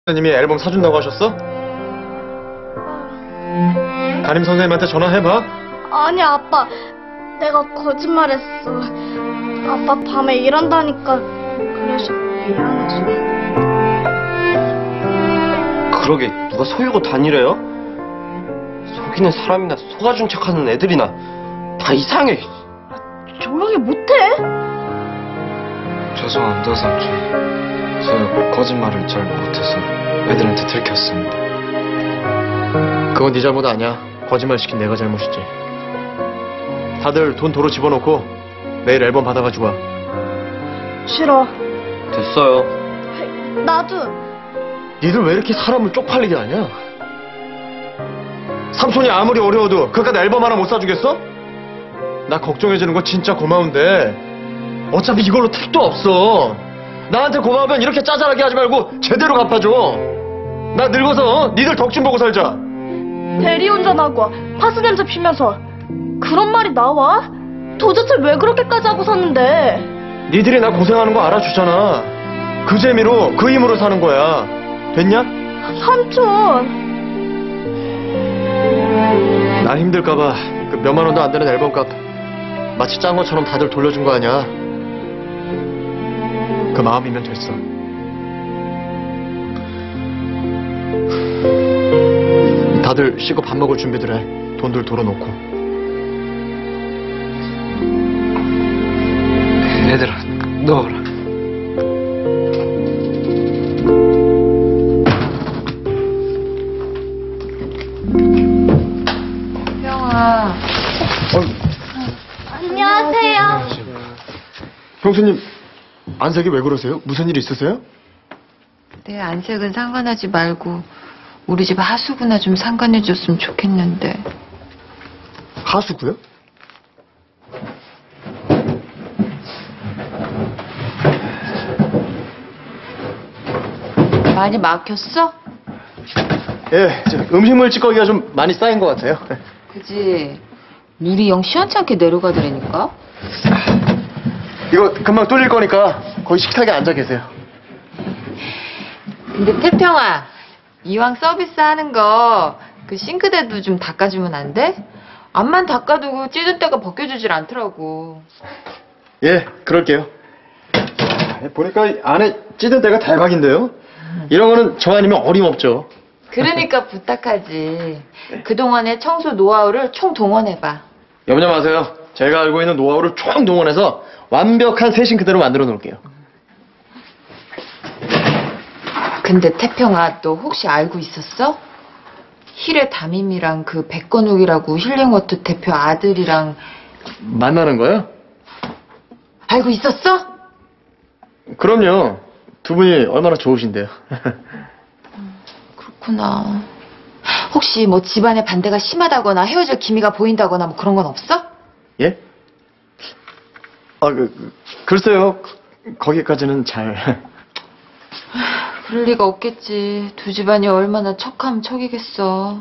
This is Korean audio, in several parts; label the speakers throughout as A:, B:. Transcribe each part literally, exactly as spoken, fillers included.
A: 선생님이 앨범 사준다고 하셨어? 담임 선생님한테 전화해봐.
B: 아니 아빠, 내가 거짓말했어. 아빠 밤에 일한다니까 그래서 미안해서.
C: 그러게 누가 속이고 다니래요? 속이는 사람이나 속아준 척하는 애들이나 다 이상해.
B: 조용히 못해?
D: 죄송합니다 삼촌. 저 거짓말을 잘 못해서 애들한테 들켰습니다.
A: 그건 네 잘못 아니야. 거짓말 시킨 내가 잘못이지. 다들 돈 도로 집어넣고 내일 앨범 받아가지고 와.
B: 싫어.
C: 됐어요.
B: 나도.
A: 니들 왜 이렇게 사람을 쪽팔리게 하냐? 삼촌이 아무리 어려워도 그깟 앨범 하나 못 사주겠어? 나 걱정해주는 거 진짜 고마운데 어차피 이걸로 택도 없어. 나한테 고마우면 이렇게 짜잘하게 하지 말고 제대로 갚아줘. 나 늙어서 니들 덕 좀 보고 살자.
B: 대리운전하고 파스 냄새 피면서 그런 말이 나와? 도대체 왜 그렇게까지 하고 샀는데?
A: 니들이 나 고생하는 거 알아주잖아. 그 재미로 그 힘으로 사는 거야. 됐냐?
B: 삼촌.
A: 나 힘들까봐 그 몇만 원도 안 되는 앨범값 마치 짠 것처럼 다들 돌려준 거 아니야. 그 마음이면 됐어. 다들 씻고 밥 먹을 준비들 해. 돈들 돌아놓고.
D: 얘들아 넣어라.
E: 형아.
A: 어,
B: 안녕하세요.
A: 형수님 안색이 왜 그러세요? 무슨 일 있으세요?
E: 내 안색은 상관하지 말고 우리 집 하수구나 좀 상관해줬으면 좋겠는데.
A: 하수구요?
E: 많이 막혔어?
A: 예, 저 음식물 찌꺼기가 좀 많이 쌓인 것 같아요.
E: 그지. 물이 영 시원찮게 내려가더라니까.
A: 이거 금방 뚫릴 거니까 거기 식탁에 앉아 계세요.
E: 근데 태평아, 이왕 서비스 하는 거 그 싱크대도 좀 닦아주면 안 돼? 앞만 닦아두고 찌든 때가 벗겨주질 않더라고.
A: 예, 그럴게요. 보니까 이 안에 찌든 데가 대박인데요? 이런 거는 저 아니면 어림없죠.
E: 그러니까 부탁하지. 그동안의 청소 노하우를 총 동원해봐.
A: 염려 마세요. 제가 알고 있는 노하우를 총 동원해서 완벽한 새 싱크대로 만들어 놓을게요.
E: 근데 태평아, 너 혹시 알고 있었어? 힐의 담임이랑 그 백건욱이라고 힐링워터 대표 아들이랑
A: 만나는 거요?
E: 알고 있었어?
A: 그럼요. 두 분이 얼마나 좋으신데요.
E: 그렇구나. 혹시 뭐 집안의 반대가 심하다거나 헤어질 기미가 보인다거나 뭐 그런 건 없어?
A: 예? 아, 그, 그, 글쎄요. 거기까지는 잘.
E: 그럴 리가 없겠지. 두 집안이 얼마나 척하면 척이겠어.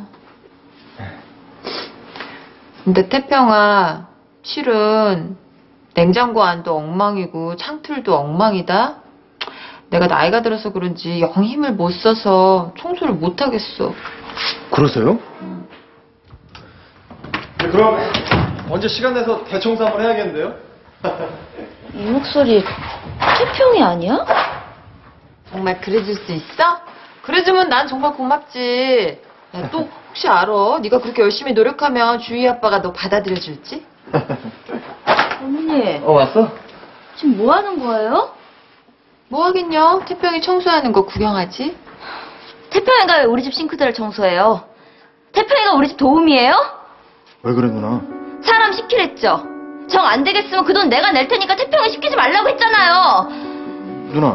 E: 근데 태평아, 실은 냉장고 안도 엉망이고 창틀도 엉망이다. 내가 나이가 들어서 그런지 영 힘을 못 써서 청소를 못 하겠어.
A: 그러세요? 네, 그럼 언제 시간 내서 대청소 한번 해야겠는데요?
B: 이 목소리 태평이 아니야?
E: 정말 그래줄 수 있어? 그래주면 난 정말 고맙지. 야, 또 혹시 알아? 네가 그렇게 열심히 노력하면 주희 아빠가 너 받아들여줄지?
B: 언니,
A: 어, 왔어?
B: 지금 뭐 하는 거예요?
E: 뭐 하긴요. 태평이 청소하는 거 구경하지.
B: 태평이가 왜 우리 집 싱크대를 청소해요? 태평이가 우리 집 도움이에요?
A: 왜 그래, 누나?
B: 사람 시키랬죠. 정 안 되겠으면 그 돈 내가 낼 테니까 태평이 시키지 말라고 했잖아요.
A: 누나.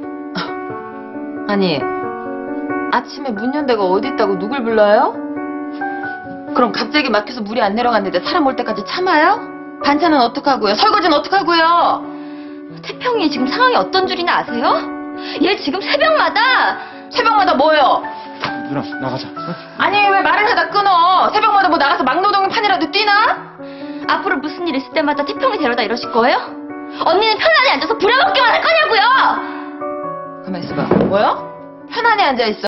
E: 아니, 아침에 문 연 데가 어디 있다고 누굴 불러요? 그럼 갑자기 막혀서 물이 안 내려갔는데 사람 올 때까지 참아요? 반찬은 어떡하고요? 설거지는 어떡하고요?
B: 태평이 지금 상황이 어떤 줄이나 아세요? 얘 지금 새벽마다
E: 새벽마다 뭐요?
A: 누나, 나가자. 응?
E: 아니, 왜 말을 하다 끊어? 새벽마다 뭐 나가서 막노동 판이라도 뛰나?
B: 앞으로 무슨 일 있을 때마다 태평이 데려다 이러실 거예요? 언니는 편안히 앉아서 부려먹기만 할 거냐고요?
E: 가만 있어봐. 뭐요? 편안히 앉아있어.